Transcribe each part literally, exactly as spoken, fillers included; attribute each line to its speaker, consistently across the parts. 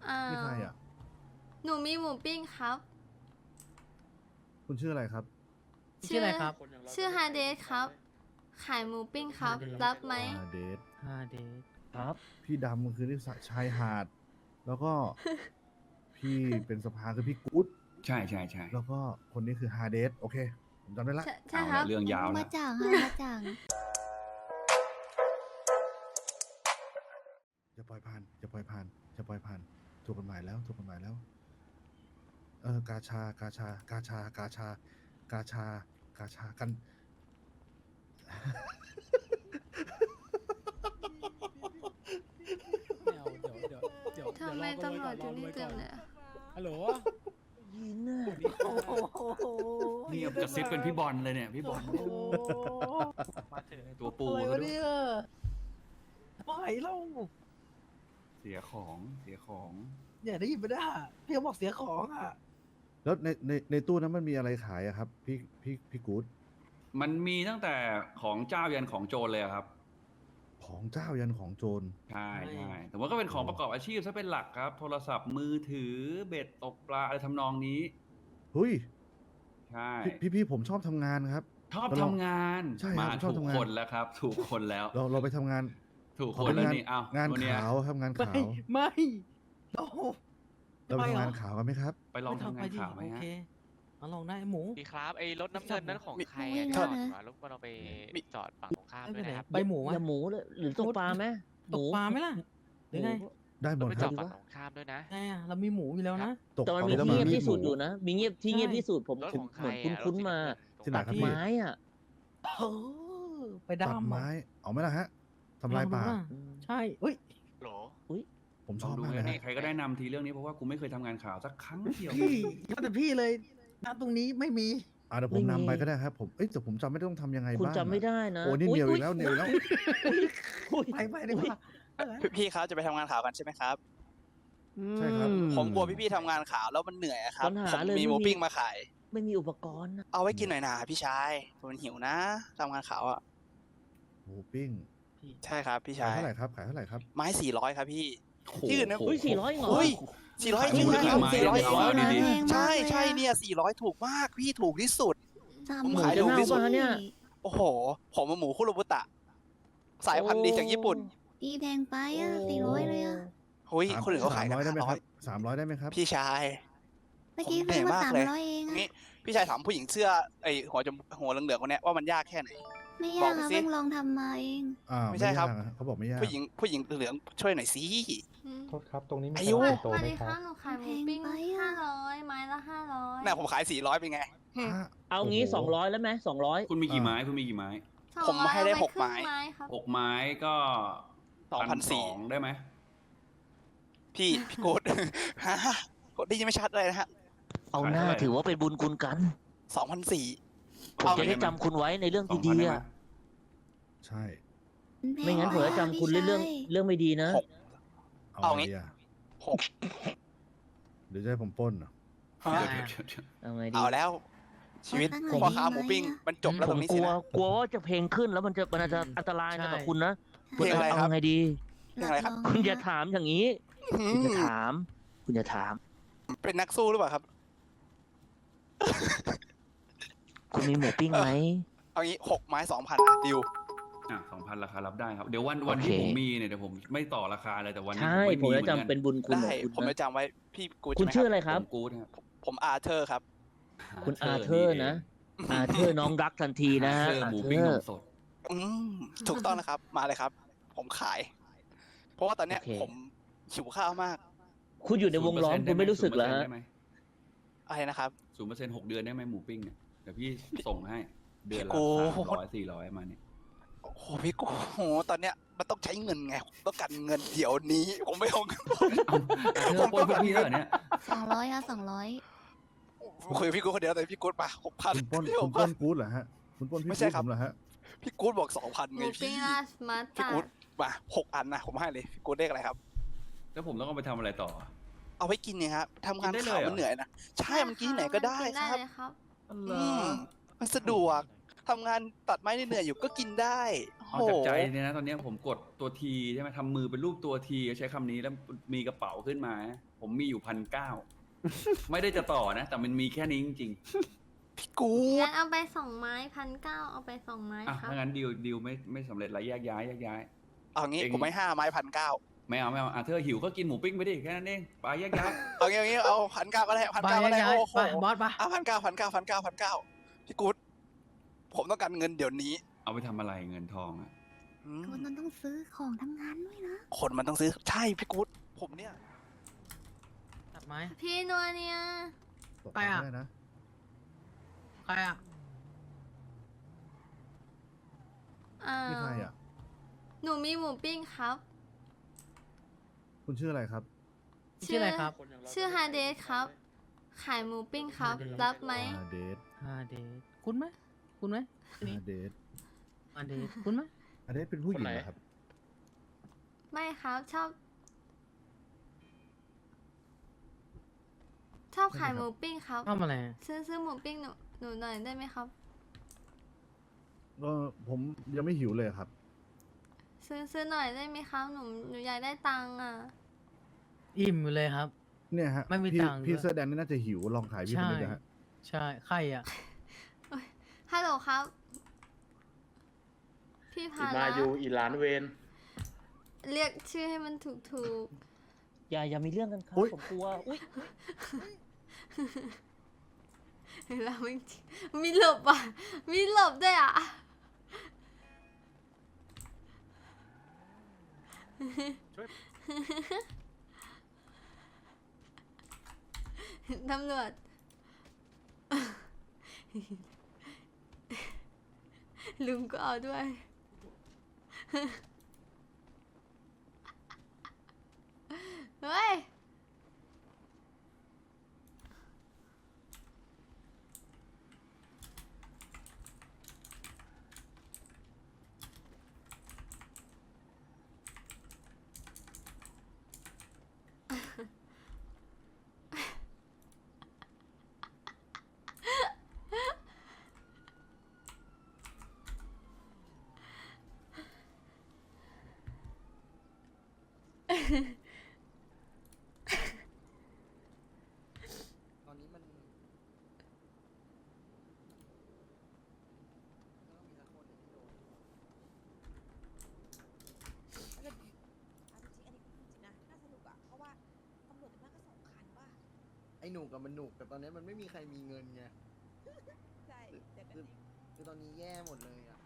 Speaker 1: อ่า
Speaker 2: นี่ใครอ่ะ
Speaker 1: หนูมีหมูปิ้งครับ
Speaker 2: คุณชื่ออะไรครับ
Speaker 3: ชื่ออะไรครับ
Speaker 1: ชื่อฮาเดสครับ ขายหมูปิ้งครับ รับไหม
Speaker 2: ฮาเดส
Speaker 3: ฮาเดส
Speaker 4: ครับ
Speaker 2: พี่ดำคือที่ชายหาด แล้วก็ พี่เป็นสภาคือพี่กู๊ด
Speaker 5: ใช่ใช่ใช่
Speaker 2: แล้วก็คนนี้คือฮาเดส โอเค ผมจำได้ละ
Speaker 1: ใช่ใช่
Speaker 5: เอา
Speaker 1: ครั
Speaker 5: ละ
Speaker 1: บ
Speaker 5: เรื่องยาว
Speaker 6: มา
Speaker 5: แล้ว
Speaker 6: จ่างค่ะมาจ่าง
Speaker 2: จะปล่อยผ่านจะปล่อยผ่านจะปล่อยผ่านถูกกฎหมายแล้วถูกกฎหมายแล้ว เออกาชากาชากาชากาชากาชากาชากัน
Speaker 3: ไม่เอาเดี๋ยวเดี๋ยวเดี๋ยว
Speaker 1: ทำไมตำรวจอยู่นี่เต็มเลยอะ
Speaker 3: ฮัลโหล
Speaker 4: ยินน่ะ
Speaker 5: นี่จะซิปเป็นพี่บอลเลยเนี่ยพี่บอลตัวปู
Speaker 4: อะไร
Speaker 5: ซะ
Speaker 4: วะ
Speaker 5: ด้วย
Speaker 4: เนี่ยไม่เล่า
Speaker 5: เสียของเสียของ
Speaker 4: อย่าได้ยินไม่ได้พี่เขาบอกเสียของอ่ะ
Speaker 2: แล้วในในในตู้นั้นมันมีอะไรขายอะครับ พี่พี่พี่กู๊ด
Speaker 5: มันมีตั้งแต่ของเจ้ายันของโจรเลยอะครับ
Speaker 2: ของเจ้ายันของโจร
Speaker 5: ใช่ใช่แต่ว่าก็เป็นของประกอบอาชีพซะเป็นหลักครับ โทรศัพท์มือถือเบ็ดตกปลาอะไรทำนองนี้
Speaker 2: เฮ้ย
Speaker 5: ใช่
Speaker 2: พี่พี่พี่ผมชอบทำงานครับ
Speaker 5: ชอบ
Speaker 2: เรา
Speaker 5: ทำงาน
Speaker 2: ใช่ครับ
Speaker 5: มา
Speaker 2: ผมชอบ
Speaker 5: ถูก
Speaker 2: ทำงาน
Speaker 5: คนแล้วครับ ถูกคนแล้ว
Speaker 2: เราเราไปทำงาน
Speaker 5: ถูก
Speaker 2: ขอ
Speaker 5: คน
Speaker 2: เป็น
Speaker 5: แล้ว
Speaker 2: งาน
Speaker 5: นี่เอา
Speaker 2: งาน
Speaker 5: ตัวเนี้ย
Speaker 2: ขาวครับงาน
Speaker 4: ไม่
Speaker 2: ขาว
Speaker 4: ไม่โอ้
Speaker 2: เราไป
Speaker 4: ไม่เหรอ
Speaker 2: ทำงานขาวกันไหมครับ
Speaker 5: ไปลองทำงานข่าวไหม
Speaker 4: โอ
Speaker 5: ฮะ
Speaker 4: เคมาลองได้หมู
Speaker 7: ดีครับไอ้รถน้ำเงินนั้นของใคร
Speaker 6: ไม่
Speaker 7: อะ
Speaker 6: ได้
Speaker 7: จอด
Speaker 6: นะ
Speaker 7: มารบกวนเราไปจอดฝั่งตรงข้าม
Speaker 4: ไม่
Speaker 7: ด้ว
Speaker 4: เป็นไร
Speaker 7: ยนะครับ
Speaker 4: ใบหมู
Speaker 8: อ
Speaker 4: อ่ะ
Speaker 8: ย่าหมูเลยหรือตกปลาไหม
Speaker 4: ตกปลาไหมล่ะหรือไง
Speaker 2: ได้หม
Speaker 7: เรา
Speaker 2: ด
Speaker 7: ไป
Speaker 2: ค
Speaker 7: จ
Speaker 2: รั
Speaker 7: อบ ดฝั่งตรงข้ามด้วยนะ
Speaker 4: ไงอ่ะเรามีหมูอยู่แล้วนะ
Speaker 2: ตก
Speaker 8: แต่มัน
Speaker 2: ปลา
Speaker 8: มี
Speaker 2: แล้ว
Speaker 8: ที่เงียบ
Speaker 2: มี
Speaker 8: ที่สุด
Speaker 2: หมู
Speaker 8: อยู่นะ มีเงียบที่เงียบ
Speaker 4: ใช่
Speaker 8: ที่สุดผม
Speaker 7: รถ
Speaker 8: ผม
Speaker 7: ของใค
Speaker 8: เห
Speaker 7: ร
Speaker 8: มือน
Speaker 7: อะ
Speaker 8: คุ้นๆมา
Speaker 2: ที่ไหนครับ
Speaker 8: ตัด
Speaker 2: พี่
Speaker 8: ไม้อ่ะ
Speaker 4: เออไป
Speaker 2: ตัด
Speaker 4: ดำ
Speaker 2: ไม้
Speaker 4: อ่ะ
Speaker 2: เอาไหมล่ะฮะทำลายป่า
Speaker 4: เอดูะใช่เฮ้ย
Speaker 7: โหล
Speaker 2: ผมช
Speaker 5: ลอ
Speaker 2: อง บ
Speaker 5: ดู
Speaker 2: มากเล
Speaker 5: นะ
Speaker 2: ย
Speaker 5: นี่
Speaker 2: ฮะ
Speaker 5: ใครก็ได้นำทีเรื่องนี้เพราะว่ากูไม่เคยทำงานข่าวสักครั้งเดียว
Speaker 4: พี่ยอดแต่พี่เลยณตรงนี้ไม่มี
Speaker 2: อ่าเดี๋ยวผมนำไปก็ได้ครับผมเอ้ยแต่ผมจำไม่ได้ต้องทำยังไง
Speaker 8: คุณ
Speaker 2: บ้าง
Speaker 8: จำไม่ได้นะ
Speaker 2: โอ้นี่เหนียวอีกแล้วเหนียวอีกแล้ว
Speaker 4: ไปไปดีกว่า
Speaker 9: พี่ๆครับจะไปทำงานข่าวกันใช่ไหมครับ
Speaker 2: ใช่ครับ
Speaker 9: ผมกลัวพี่ๆทำงานข่าวแล้วมันเหนื่อยอะครับ
Speaker 8: ปัญหา
Speaker 9: ผม
Speaker 8: เลย
Speaker 9: มี
Speaker 8: ไม่
Speaker 9: หมู
Speaker 8: มี
Speaker 9: ปิ้งมาขาย
Speaker 8: ไม่มีอุปกรณ์นะ
Speaker 9: เอาไว้กินหน่อยนะพี่ชายผมหิวนะทำงานข่าวอ่ะ
Speaker 2: หมูปิ้ง
Speaker 9: ใช่ครับพี่
Speaker 2: ขาย
Speaker 9: ชาย
Speaker 2: เท่าไหร่ครับขายเท่าไหร่ครับ
Speaker 9: ไม้สี่ร้อยครับพี่
Speaker 5: โอ้โห
Speaker 9: ที่อื่นนะ
Speaker 8: เฮ้ยสี่ร้อยเหรอ
Speaker 9: เฮ้ยสี่ร้อยจริง
Speaker 5: ขาย
Speaker 9: นะครับ
Speaker 5: ไม้
Speaker 9: สี่ร้อย
Speaker 5: เอาเอาดี
Speaker 9: ใช่ใช่เนี่ยสี่ร้อยถูกมากพี่ถูกที่สุด
Speaker 6: สาม
Speaker 9: ผม
Speaker 8: หมู
Speaker 9: ขาย
Speaker 8: จะ
Speaker 9: ถูก
Speaker 8: เน่า
Speaker 9: ที่สุด
Speaker 8: ป่ะเนี่ย
Speaker 9: โอ้โห ผมมาหมูคุโรบุตะ สายพันธุ์ดีจากญี่ปุ่น
Speaker 6: ตีแพงไปอ่ะสี่ร้อยเลยอ่ะ
Speaker 9: เฮ้ย
Speaker 2: สาม
Speaker 9: คนอื่นเขาขาย
Speaker 2: สาม
Speaker 9: กัน
Speaker 2: ร้อยได้ไหม
Speaker 9: ห้า
Speaker 2: ค
Speaker 9: ร้
Speaker 2: รั
Speaker 9: อบ ย
Speaker 2: สามร้อยได้ไหมครับ
Speaker 9: พี่ชาย
Speaker 6: เมื่อกี้
Speaker 9: ผมเหนื่
Speaker 6: ซื้
Speaker 9: อ
Speaker 6: อย มา
Speaker 9: มาก
Speaker 6: สาม
Speaker 9: เลย
Speaker 6: ร้อยเองอ่ะ
Speaker 9: นี่พี่ชายถามผู้หญิงเสื้อไอหัวจมหัวเหลืองๆคนเนี้ยว่ามันยากแค่ไหน
Speaker 6: ไม่
Speaker 9: บ
Speaker 6: ยา
Speaker 9: อก
Speaker 6: ก
Speaker 9: ไป
Speaker 6: ค่ะ
Speaker 9: สิ
Speaker 6: เพิ่งลองทำมาเอง
Speaker 2: อ่า
Speaker 9: ไม่ใช่ครับ
Speaker 2: ยากอะเขาบอกไม่ยาก
Speaker 9: ผู้หญิงผู้หญิงเหลืองช่วยหน่อยสิ
Speaker 1: อืม
Speaker 3: โทษครับ ตรงนี้มี
Speaker 9: อายุ
Speaker 3: ตลาด
Speaker 1: ส
Speaker 3: โต
Speaker 1: วัส
Speaker 3: ไหม
Speaker 1: ดี
Speaker 3: ค
Speaker 1: ค่ะ
Speaker 3: รับ
Speaker 1: หนูขายหมูปิ้งห้าร้อยไม้ละห้าร้อย
Speaker 9: น่ะผมขายสี่ร้อยเป็นไง
Speaker 2: อ่ะ
Speaker 8: เอางี้
Speaker 2: โโห
Speaker 8: สองร้อยแล้วไหมสองร้อย
Speaker 5: คุณมีกี่ไม้คุณมีกี่ไม้
Speaker 9: ผมให้ได้หกไม้
Speaker 1: ครับ
Speaker 5: หกไม้ก็
Speaker 9: สองพันสี่
Speaker 5: ได้ไหม
Speaker 9: พี่พี่โกด ฮะกดได้ยินไม่ชัดเลยนะฮะ
Speaker 8: เอาหน้าถือว่าเป็นบุญคุณกัน
Speaker 9: สองพันสี่
Speaker 8: ผมจะได้จำคุณไว้ในเรื่อง
Speaker 5: สอง
Speaker 8: ดี
Speaker 5: พัน
Speaker 8: ๆ
Speaker 5: ได้ไหม
Speaker 8: อะ
Speaker 2: ใช่
Speaker 8: ไม่งั้นผมจะจำคุณเรื่องเรื่องเรื่องไม่ดีนะ
Speaker 2: เอาไงดีอะ
Speaker 9: หก
Speaker 2: เดี๋ยวจะให้ผมปล้นเหรอ
Speaker 9: ฮะ
Speaker 5: เดี๋ยวเดี๋ยวเดี๋ยว
Speaker 8: เอาไงดี
Speaker 9: เอาแล้ว ชีวิตพ่อค้าหมูปิ้งมันจบแล้ว
Speaker 8: ผ
Speaker 9: ตร
Speaker 8: ม
Speaker 9: งนี้
Speaker 8: ก
Speaker 9: สิ
Speaker 8: ลัว
Speaker 9: นะ
Speaker 8: กลัวว่าจะเพลงขึ้นแล้วมันจะมันอาจจะอันตรายนะกับคุณนะ
Speaker 9: เพลงอะไรครับ
Speaker 8: เอาไงดี
Speaker 9: เพลงอะไรครับ
Speaker 8: คุณอย่าถามอย่างนี้
Speaker 9: อื
Speaker 8: คุณอย่าม ถาม คุณอย่าถาม
Speaker 9: เป็นนักสู้หรือเปล่าครับ
Speaker 8: คุณมีหมูปิ้งไหม
Speaker 9: เอางี้หกไม้สองพันดิว
Speaker 5: อ่ะสองพันราคารับได้ครับ เดี๋ยววันวันที่
Speaker 8: โอเค
Speaker 5: ผมมีเนี่ยเดี๋ยวผมไม่ต่อราคาเลยแต่วันนี้
Speaker 8: ใช่
Speaker 5: ผ
Speaker 8: ผม
Speaker 5: ม
Speaker 8: จะ
Speaker 5: ไม่มี
Speaker 8: จำเป็นบุญคุณข
Speaker 9: ได้
Speaker 8: องคุณ
Speaker 9: ผมจะ
Speaker 8: นะ
Speaker 9: จำไว้พี่กูด
Speaker 8: คุณ
Speaker 9: ใช่
Speaker 8: ชื่อ
Speaker 9: ไหม
Speaker 8: อะไร
Speaker 9: ค
Speaker 8: ครับ
Speaker 5: ผมกู๊ดครับ
Speaker 9: รับผมอาเธอร์ครับ
Speaker 8: คุณอาเธอร์นะ อาเธอร์น้องรักทันทีนะ
Speaker 5: อา
Speaker 8: ฮะ
Speaker 5: เธอร์
Speaker 8: อา
Speaker 5: หมู
Speaker 8: เธ
Speaker 5: ปิ้ง
Speaker 8: อน
Speaker 5: ม
Speaker 8: ร์
Speaker 5: สด
Speaker 9: อืมถูกต้องนะครับ มาเลยครับ ผมขาย เพราะว่าตอนเนี้ย
Speaker 8: โอเค
Speaker 9: ผมหิวข้าวมาก
Speaker 8: คุณอยู่ในวงล้อมคุณไม่รู้สึกเหรอฮะ
Speaker 9: อะไรนะครับ
Speaker 5: ศูนย์เปอร์เซ็นต์หกเดือนได้ไหมหมูปิ้งเนี่ยเดี๋ยวพี่ส่งให้เดือนละ
Speaker 9: โอ้
Speaker 5: สามร้อยสี่ร้อยมาเนี่ย
Speaker 9: โอ้โหพี่กูโหตอนเนี้ยมันต้องใช้เงินไงผมต้องการเงินเดี๋ยวนี้ ผมไม่เอาเงิน
Speaker 5: อาเธอร์ปล้นพวกพี่แล้วเหรอเนี่ย
Speaker 6: สองร้อยค่ะสองร้อย
Speaker 9: คุยกับพี่กูคนเดียวแต่พี่กูดมาหกพัน
Speaker 2: คุณปล้น
Speaker 9: พี่ห
Speaker 2: คุณ
Speaker 9: ก
Speaker 2: ป
Speaker 9: พั
Speaker 2: ล้
Speaker 9: น
Speaker 2: นกู๊ดเหรอฮะคุณปล้นพี่
Speaker 9: ไม่
Speaker 2: กู๊
Speaker 9: ใช่
Speaker 2: ด
Speaker 9: ครั
Speaker 2: ผ
Speaker 9: บ
Speaker 2: มเหรอฮะ
Speaker 9: พี่กูดบอกสองพัน
Speaker 1: ห
Speaker 9: ไง
Speaker 1: มูปิ้
Speaker 9: พี่
Speaker 1: งราสมา
Speaker 9: พี่
Speaker 1: ตา
Speaker 9: กูดมาหกอันนะผมให้เลยพี่กูดเลขอะไรครับ
Speaker 5: แล้วผมต้องเอาไปทำอะไรต่อ
Speaker 9: เอาไว้กินเนี่ยครับทำงาน
Speaker 5: กินได้
Speaker 9: ข่าว
Speaker 5: เลยเหรอ
Speaker 9: มันเหนื่อยนะใช่มันกินที่ไหนก็ได้
Speaker 1: กิน
Speaker 9: ค
Speaker 1: ได้
Speaker 9: รับ
Speaker 1: เลยครับ
Speaker 9: อืมมันสะดวกทำงานตัดไม้เหนื่อยๆอยู่ก็กินได้โอ้
Speaker 5: เอาจากใจเนี่ยนะตอนเนี้ยผมกดตัวทีใช่ไหมทำมือเป็นรูปตัวทีใช้คำนี้แล้วมีกระเป๋าขึ้นมา ผมมีอยู่พันเก้า ไม่ได้จะต่อนะ แต่มันมีแค่นี้จริง
Speaker 9: พี่กู
Speaker 1: งั้
Speaker 9: ด
Speaker 1: นเอาไปสองไม้พันเก้าเอาไปสองไม้
Speaker 5: ๆอ่ะ
Speaker 1: ครับ
Speaker 5: ถ้างั้นดีลดีลไม่ไม่สำเร็จละแยกย้ายแยกย้าย
Speaker 9: เอางี้
Speaker 5: เอง
Speaker 9: ผมไม่ห้าไม้พันเก้า
Speaker 5: ไม่เอาไม่เอาอ่ะเธอหิวก็กินหมูปิ้งไปดิแค่นั้นเองไปแยกย้าย
Speaker 9: เอางี้เอางี้เอาพันเก้าก็ได้พัน
Speaker 4: ไป
Speaker 9: เก้าก็ได้
Speaker 4: ย้าย
Speaker 9: โอ้โห
Speaker 4: ไปบอสปะ
Speaker 9: เอาพันเก้าพันเก้าพันเก้าพันเก้าพี่กูดผมต้องการเงินเดี๋ยวนี้
Speaker 5: เอาไปทำอะไรเงินทองอ่ะ
Speaker 9: อืม
Speaker 6: คนนั้นต้องซื้อของทำงานด้วยนะ
Speaker 9: คนมันต้องซื้อใช่พี่กูดผมเนี่ย
Speaker 4: ตัดไม้
Speaker 1: พี่นัวเนี่ย
Speaker 2: ตก
Speaker 4: ไปอะ
Speaker 2: ได้นะ
Speaker 4: ใครอ่ะ
Speaker 1: อ่า
Speaker 2: นี่ใครอ่ะ
Speaker 1: หนูมีหมูปิ้งครับ
Speaker 2: คุณชื่ออะไรครับ
Speaker 4: ชื่ออะไรครับ
Speaker 1: ชื่อฮาเดสครับ ขายหมูปิ้งครับ รับไหม
Speaker 2: อาเดท
Speaker 4: อาเดทคุณไหมคุณไหม
Speaker 2: อาเดท
Speaker 4: อาเดทคุณไหม
Speaker 2: อาเดทเป็นผู้หญิงเหรอครับ
Speaker 1: ไม่ครับชอบ ชอบขายหมูปิ้งครับ
Speaker 4: ทำอะไร
Speaker 1: ซื้อซื้อหมูปิ้งหนูหนูหน่อยได้ไหมครับ
Speaker 2: ก็ผมยังไม่หิวเลยครับ
Speaker 1: ซื้อซื้อหน่อยได้ไหมครับหนูหนูอยากได้ตังค์อ่ะ
Speaker 4: อิ่มอยู่เลยครับ
Speaker 2: เนี่ยฮะ
Speaker 4: ไม่มี
Speaker 2: พี่
Speaker 4: ตังค์
Speaker 2: พี่
Speaker 4: ด้วย
Speaker 2: เสื้อแดงนี่น่าจะหิวลองขายพี่คนนี้นะฮะ
Speaker 4: ใช่ใครอ่ะ
Speaker 1: ฮัลโหลครับ พี่พา
Speaker 8: มา
Speaker 1: ละ
Speaker 8: อยู่อีหลานเวน
Speaker 1: เรียกชื่อให้มันถูกถูก
Speaker 8: อย่าอย่ามีเรื่องกันครับ
Speaker 2: อุ๊ย
Speaker 8: ผมกลัวอุ้ย
Speaker 1: ๆแล้วไม่จริงมีหลบอ่ะ มีหลบด้วยอ่ะ ตำรวจ ลุงก็เอาด้วย เฮ้ย
Speaker 9: ตอนนี้มัน
Speaker 10: ไอ้หนูกับมันหนุกแต่ตอนนี้มันไม่มีใครมีเงินไง
Speaker 11: ใช่เดี๋ยวกัน
Speaker 10: คือ
Speaker 11: เอง
Speaker 10: คือตอนนี้แย่หมดเลยอ่ะ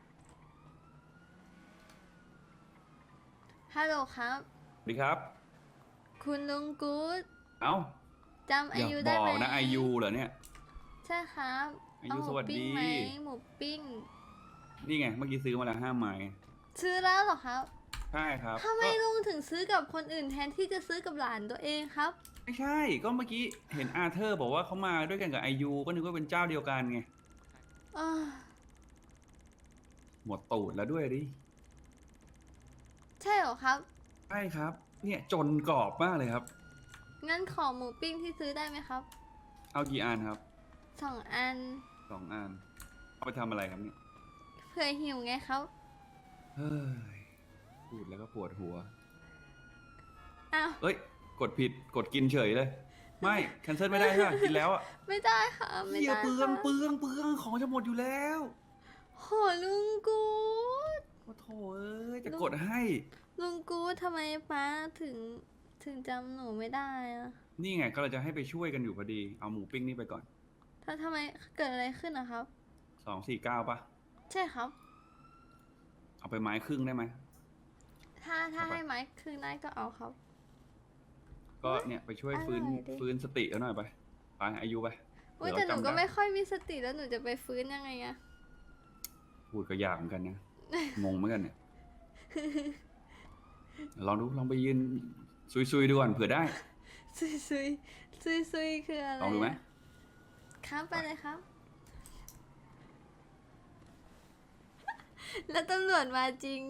Speaker 1: ฮัลโหลครับ
Speaker 5: สวัสดีครับ
Speaker 1: คุณลุงกู๊ด
Speaker 5: เอ้า
Speaker 1: จำอา
Speaker 5: อย่า
Speaker 1: ยุ
Speaker 5: บ
Speaker 1: ได้
Speaker 5: อ
Speaker 1: ไหม
Speaker 5: กนะไอยูเหรอเนี่ย
Speaker 1: ใช่ครับ
Speaker 5: อายุ
Speaker 1: เหมู
Speaker 5: สวัสดี
Speaker 1: ปิ้งไหมหมูปิ้ง
Speaker 5: นี่ไงเมื่อกี้ซื้อมาแล้วห้าไม้
Speaker 1: ซื้อแล้วเหรอครับ
Speaker 5: ใช่ครับ
Speaker 1: ทำไม
Speaker 5: ก็
Speaker 1: ลุงถึงซื้อกับคนอื่นแทนที่จะซื้อกับหลานตัวเองครับ
Speaker 5: ไม่ใช่ ก็เมื่อกี้เห็นอาเธอร์บอกว่าเขามาด้วยกันกับไอยูก็นึกว่าเป็นเจ้าเดียวกันไง
Speaker 1: อ้าว
Speaker 5: หมดตูดแล้วด้วยดิ
Speaker 1: ใช่เหรอครับ
Speaker 5: ใช่ครับ เนี่ยจนกรอบมากเลยครับ
Speaker 1: งั้นขอหมูปิ้งที่ซื้อได้ไหมครับ
Speaker 5: เอากี่อันครับ
Speaker 1: สองอัน
Speaker 5: สองอัน เอาไปทำอะไรครับเนี่ย
Speaker 1: เผื่อหิวไงครับ
Speaker 5: เฮ้ย พูดแล้วก็ปวดหัว
Speaker 1: อ้าว
Speaker 5: เอ้ย กดผิด กดกินเฉยเลย ไม่ แคนเซิลไม่ได้ใช่ไหมกินแล้วอ่ะ
Speaker 1: ไม่ได้ค่ะไม่
Speaker 5: เหี้ย
Speaker 1: ได้
Speaker 5: เปลือง
Speaker 1: ค่ะ
Speaker 5: เปลืองเปลืองของจะหมดอยู่แล้ว
Speaker 1: โหลุงกู๊ด
Speaker 5: โอ้โถเอ้ย จะกดให้
Speaker 1: ลุงกู๊ดทำไมป้าถึงถึงจำหนูไม่ได้อะ
Speaker 5: นี่ไงก็เราจะให้ไปช่วยกันอยู่พอดี เอาหมูปิ้งนี่ไปก่อน
Speaker 1: ถ้าทำไมเกิดอะไรขึ้นนะครับ
Speaker 5: สองสี่เก้าปะ
Speaker 1: ใช่ครับ
Speaker 5: เอาไปไม้ครึ่งได้ไหม
Speaker 1: ถ้าถ้า
Speaker 5: เอาไป
Speaker 1: ให้ไม้คืนได้ก็เอาครับ
Speaker 5: ก็เนี่ยไปช่วยฟื้น
Speaker 1: อร่อยดิ
Speaker 5: ฟื้นสติเอาหน่อยไป ไปอายุไป
Speaker 1: อุ้ย
Speaker 5: เดี๋
Speaker 1: แต่
Speaker 5: ยว
Speaker 1: หนู
Speaker 5: จำ
Speaker 1: ก็
Speaker 5: ได้
Speaker 1: ไม่ค่อยมีสติแล้วหนูจะไปฟื้นยังไงอะ
Speaker 5: พูดก็ยากเหมือนกันนะ งงเหมือนกันเนี่ย ลองดู ลองไปยืนซุยๆดูก่อนเผื่อได้
Speaker 1: ซุยซุยซุยซุยคืออะไร
Speaker 5: ลองดูไหม
Speaker 1: ครับไปเลยครับ แล้วตำรวจมาจริง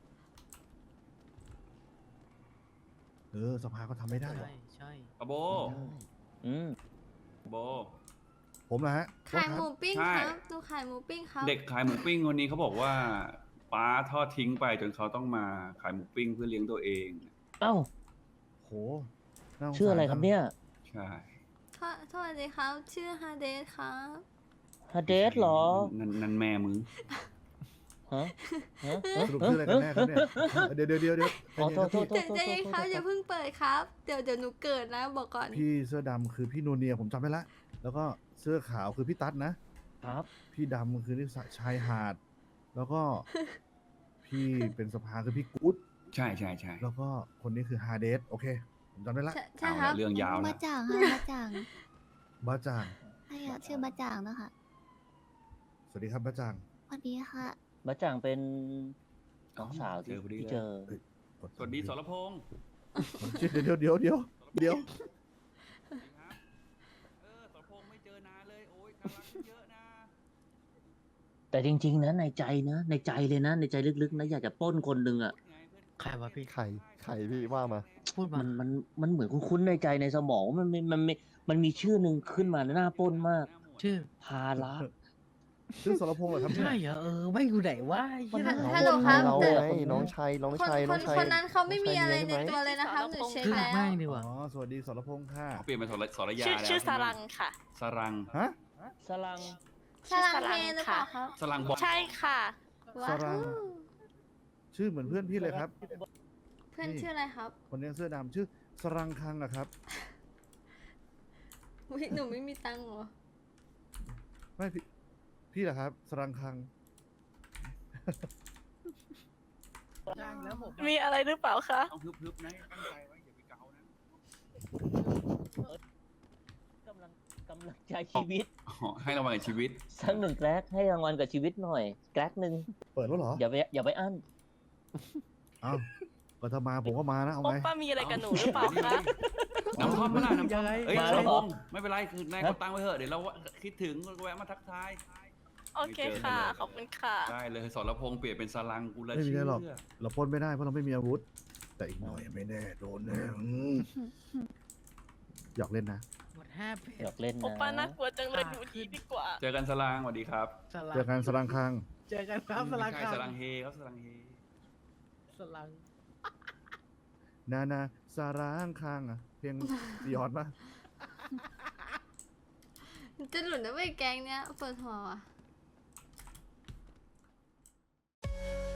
Speaker 2: เออสภาก็ทำไม่ได้หรอก
Speaker 4: ใช่ใช่
Speaker 5: ปะโบ
Speaker 8: อืม
Speaker 5: โบ
Speaker 2: ผมนะฮะ
Speaker 1: ขายหมูปิ้ง
Speaker 5: ใช่
Speaker 1: ครับหนูขายหมูปิ้งครับ
Speaker 5: เด็กขายหมูปิ้งคนนี้เขาบอกว่าป้าทอดทิ้งไปจนเขาต้องมาขายหมูปิ้งเพื่อเลี้ยงตัวเอง
Speaker 8: เอ้า
Speaker 2: โหน่าสงสา
Speaker 8: ชื่ออะไรครับเนี่ย
Speaker 5: ใช่
Speaker 1: สวสวัสดีครับ ชื่อฮาเดสครับ
Speaker 8: ฮาเดสเหรอ
Speaker 5: นั่นนั่นแม่มึง
Speaker 8: ฮะฮะ
Speaker 2: สรุปชื่ออะไรกันแน่ครับเนี่ยเดี๋ยวเดี๋ยวเดี๋ยวเดี๋ยว
Speaker 8: อ๋อโทษโทษโท
Speaker 1: ใจ
Speaker 8: ษ
Speaker 1: ใจเย็นครับอย่าเพิ่งเปิดครับ เดี๋ยวเดี๋ยวหนูเกิดนะบอกก่อน
Speaker 2: พี่เสื้อดำคือพี่นูเนียผมจำได้ละแล้วก็เสื้อขาวคือพี่ตั๊ดนะ
Speaker 8: ครับ
Speaker 2: พี่ดำคือที่ชายหาด แล้วก็ พี่เป็นสภาคือพี่กู๊ด
Speaker 5: ใช่ใช่ใช่
Speaker 2: แล้วก็คนนี้คือฮาเดสโอเค ผมจำได้ละ
Speaker 1: ใช่ใช่
Speaker 5: เอา
Speaker 1: ครั
Speaker 5: ละ
Speaker 1: บ
Speaker 5: เรื่องยาว
Speaker 6: บะ
Speaker 5: นะ
Speaker 6: จ่างค่ะบะจ่าง
Speaker 2: บ้าจาง
Speaker 6: ใช่อะชื่อบะจ่างนะคะ
Speaker 2: สวัสดีครับบ้าจาง
Speaker 6: สวัสดีค่ะ
Speaker 8: บะจ่างเป็นน้องสาว
Speaker 5: เจ
Speaker 8: ที่
Speaker 5: อพอดี
Speaker 8: ที่
Speaker 5: เลย
Speaker 8: เจอ
Speaker 5: สวัสดีสรพงษ์
Speaker 2: เดี๋ยวเดี๋ยวเดี๋ยวเดี๋ยวเดี๋ยว
Speaker 5: เออสรพงษ์ไม่เจอนานเลยโอ้ยกำลังเยอะนะ
Speaker 8: แต่จริง ๆ นะในใจนะ ในใจเลยนะ ในใจลึกๆนะอยากจะปล้นคนหนึ่งอ่ะ
Speaker 4: ใครวะพี่
Speaker 12: ไข่ไข่พี่ว่ามา
Speaker 4: พูดมา
Speaker 8: มันมันมันเหมือนคุ้นๆในใจในสมองมันมันมันมันมันมีชื่อหนึ่งขึ้นมาหน้าปล้นมาก
Speaker 4: ชื่อ
Speaker 8: ภาระ
Speaker 2: ชื่อสรพงษ์เหรอครับเนี่ย
Speaker 4: ใช่เหรอเออไม่อยู่ไหนวะไอ้เหี้ย
Speaker 1: ฮั
Speaker 4: นั่น
Speaker 1: ฮัลโหลครับ
Speaker 12: เรา
Speaker 1: แต่
Speaker 12: ไงน้องชายน้อง
Speaker 1: คน
Speaker 12: ชาย
Speaker 1: ค
Speaker 12: น้อน งชาย
Speaker 1: คนนั้นเขาไม่มี
Speaker 12: น้งชาย
Speaker 1: อะไร
Speaker 12: เลี้
Speaker 1: ใน
Speaker 12: ยง
Speaker 1: ตัวเลยนะครับหนูเช็ค
Speaker 4: ชื่อ
Speaker 1: แล้ว
Speaker 4: แม่งดีกว่า
Speaker 2: อ๋อสวัสดีสรพงษ์ค่ะ
Speaker 5: เขาเปลี่ยนเป็นสรสรยา
Speaker 11: ชื่อ
Speaker 5: แล้ว
Speaker 11: ชื่อ
Speaker 5: ใช่
Speaker 11: ส
Speaker 5: ไหม
Speaker 11: รังค่ะ
Speaker 5: สรัง
Speaker 2: ฮะ
Speaker 8: สลัง
Speaker 1: สลังเฮหรือเปล่าครับ
Speaker 5: สรังบอก
Speaker 11: ใช่ค่ะ
Speaker 1: ว้า
Speaker 2: สรัง
Speaker 1: ว
Speaker 2: ชื่อเหมือนเพื่อนพี่เลยครับ
Speaker 1: เพื่อนชื่ออะไรครับ
Speaker 2: คนนี้เสื้อดำชื่อสรังคังอะครับ
Speaker 1: อุ๊ยหนูไม่มีตังค์เหรอ
Speaker 2: ไม่พี่พี่เหรอครับ สรังคัง
Speaker 11: มีอะไรหรือเปล่าคะ
Speaker 5: ต้องฮึบๆนะตั้งใจไว้อย่าไปเกานะ
Speaker 8: กำลังกำลังใจชีวิต
Speaker 5: อ๋อให้รางวัลกับชีวิต
Speaker 8: สักหนึ่งแกร็กให้รางวัลกับชีวิตหน่อยแกร็กหนึ่ง
Speaker 2: เปิดแล้วเหรอ
Speaker 8: อย่าไปอย่าไปอั้น
Speaker 2: เอ้าก็ถ้ามาผมก็มานะเอา
Speaker 11: โอ
Speaker 2: ไง
Speaker 11: ป้ามีอะไรกับหนูหรือเปล่าคะ
Speaker 5: น้ำท่อมเมื่อไหร่น้ำท่อม
Speaker 4: ยังไง
Speaker 5: เอ้ย
Speaker 8: มา
Speaker 5: ส
Speaker 8: แล้
Speaker 5: ร
Speaker 8: วเหร
Speaker 5: พ
Speaker 8: อ
Speaker 5: งษ์ไม่เป็นไรคือนายกดตังค์ไว้เถอะเดี๋ยวเราคิดถึงแวะมาทักทาย
Speaker 11: โอเคค่ะ ขอบคุณค่ะ
Speaker 5: ได้เลยสรพงษ์เปลี่ยนเป็นสรังกูละ
Speaker 2: ไม่มี
Speaker 5: เชื่
Speaker 2: อะไร
Speaker 5: อ
Speaker 2: หรอก เราปล้นไม่ได้เพราะเราไม่มีอาวุธ แต่อีกหน่อยไม่แน่โดนแน่อืมหยอกเล่นนะ
Speaker 4: หมดห้าเพ
Speaker 8: อยากเล่น
Speaker 11: โอ
Speaker 8: นะ
Speaker 11: ป้าน่ากลัวจังเลยอยู่ดีดีกว่า
Speaker 5: เจอกันสรังสวัสดีครับ
Speaker 4: สลัง
Speaker 2: เจอกันสรังคัง
Speaker 4: เจอกันครับสลัง
Speaker 5: ไม่
Speaker 4: ค
Speaker 5: ใช่
Speaker 4: รับ
Speaker 5: สรังเฮครับสรังเฮ
Speaker 4: สลัง
Speaker 2: นานาสรังคังอะเพลงยอดปะ
Speaker 1: จะหลุดนะเว้ยแกงเนี้ยปวดหัวว่ะ